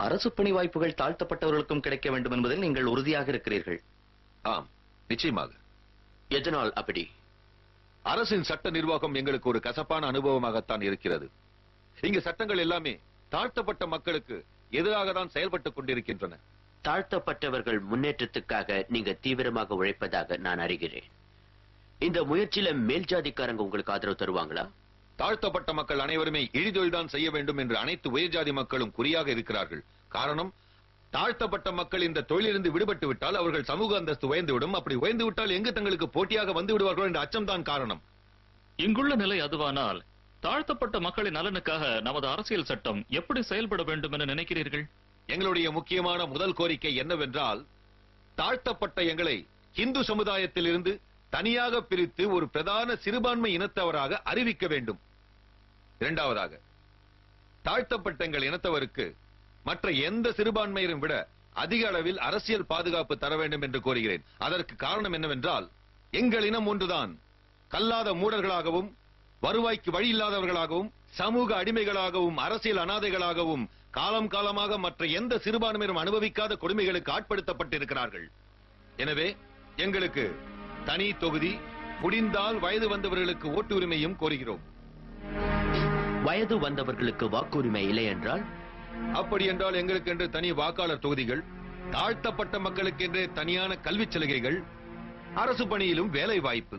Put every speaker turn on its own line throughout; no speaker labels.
அரசு பணி வாய்ப்புகள் தாழ்த்தப்பட்டவர்களுக்கும் கிடைக்க வேண்டும் என்பதில் நீங்கள் உறுதியாக இருக்கிறீர்கள்.
ஆம், நிச்சயமாக.
எதனால் அப்படி?
அரசின் சட்ட நிர்வாகம் எங்களுக்கு ஒரு கசப்பான அனுபவமாகத்தான் இருக்கிறது. இங்கு சட்டங்கள் எல்லாமே தாழ்த்தப்பட்ட மக்களுக்கு எதிராக தான் செயல்பட்டுக் கொண்டிருக்கின்றன.
தாழ்த்தப்பட்டவர்கள் முன்னேற்றத்துக்காக நீங்க தீவிரமாக உழைப்பதாக நான் அறிகிறேன். இந்த முயற்சியில மேல் ஜாதிக்காரங்க உங்களுக்கு ஆதரவு தருவாங்களா?
தாழ்த்தப்பட்ட மக்கள் அனைவருமே இழிதொழில்தான் செய்ய வேண்டும் என்று அனைத்து உயர்ஜாதி மக்களும் குறியாக இருக்கிறார்கள். காரணம், தாழ்த்தப்பட்ட மக்கள் இந்த தொழிலிருந்து விடுபட்டு விட்டால் அவர்கள் சமூக அந்தஸ்து உயர்ந்துவிடும். அப்படி உயர்ந்து விட்டால் எங்கு தங்களுக்கு போட்டியாக வந்து விடுவார்கள் என்ற அச்சம்தான் காரணம்.
இங்குள்ள நிலை அதுவானால் தாழ்த்தப்பட்ட மக்களின் நலனுக்காக நமது அரசியல் சட்டம் எப்படி செயல்பட வேண்டும் என நினைக்கிறீர்கள்?
எங்களுடைய முக்கியமான முதல் கோரிக்கை என்னவென்றால், தாழ்த்தப்பட்ட எங்களை இந்து சமுதாயத்தில் இருந்து தனியாக பிரித்து ஒரு பிரதான சிறுபான்மை இனத்தவராக அறிவிக்க வேண்டும். இரண்டாவதாக, தாழ்த்தப்பட்ட எங்கள் இனத்தவருக்கு மற்ற எந்த சிறுபான்மையரும் விட அதிக அளவில் அரசியல் பாதுகாப்பு தர வேண்டும் என்று கோருகிறேன். அதற்கு காரணம் என்னவென்றால், எங்கள் இனம் ஒன்றுதான் கல்லாத மூடர்களாகவும் வருவாய்க்கு வழி இல்லாதவர்களாகவும் சமூக அடிமைகளாகவும் அரசியல் அனாதைகளாகவும் காலம் காலமாக மற்ற எந்த சிறுபான்மையினரும் அனுபவிக்காத கொடுமைகளுக்கு ஆட்படுத்தப்பட்டிருக்கிறார்கள். எனவே எங்களுக்கு தனி தொகுதி, முடிந்தால் வயது வந்தவர்களுக்கு ஓட்டு உரிமையும் கோருகிறோம்.
வயது வந்தவர்களுக்கு வாக்குரிமை இல்லை என்றால்?
அப்படி என்றால் எங்களுக்கு என்று தனி வாக்காளர் தொகுதிகள், தாழ்த்தப்பட்ட மக்களுக்கு என்றே தனியான கல்வி சலுகைகள், அரசு பணியிலும் வேலை வாய்ப்பு.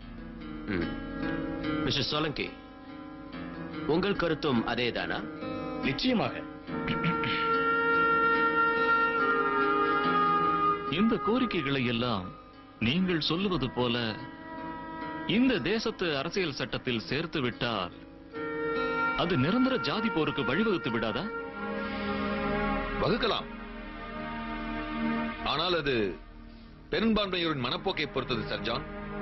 மிஸ்டர் சோலங்கி, உங்கள் கருத்தும் அதேதானா?
நிச்சயமாக.
இந்த கோரிக்கைகளை எல்லாம் நீங்கள் சொல்லுவது போல இந்த தேசத்து அரசியல் சட்டத்தில் சேர்த்து விட்டால் அது நிரந்தர ஜாதி போருக்கு வழிவகுத்து விடாதா?
வகுக்கலாம். ஆனால் அது பெரும்பான்மையோரின் மனப்போக்கை பொறுத்தது சர்ஜான்.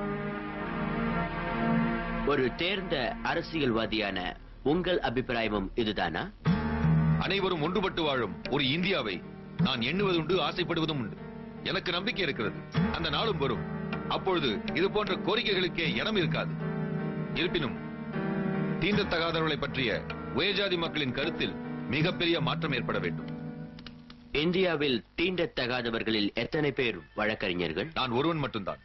ஒரு தேர்ந்த அரசியல்வாதியான உங்கள் அபிப்பிராயமும் இதுதானா?
அனைவரும் ஒன்றுபட்டு வாழும் ஒரு இந்தியாவை நான் எண்ணுவதுண்டு, ஆசைப்படுவதும் உண்டு. எனக்கு நம்பிக்கை இருக்கிறது. அந்த நாளும் வரும். அப்பொழுது இது போன்ற கோரிக்கைகளுக்கே இடம் இருக்காது. இருப்பினும் தீண்டத்தகாதவர்களை பற்றிய உயர்ஜாதி மக்களின் கருத்தில் மிகப்பெரிய மாற்றம் ஏற்பட வேண்டும்.
இந்தியாவில் தீண்டத்தகாதவர்களில் எத்தனை பேர் வழக்கறிஞர்கள்?
நான் ஒருவன் மட்டும்தான்.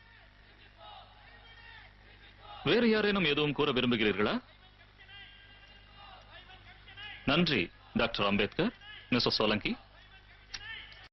வேறு யாரேனும் எதுவும் கூற விரும்புகிறீர்களா? நன்றி டாக்டர் அம்பேத்கர். மிஸ்டர் சோலங்கி.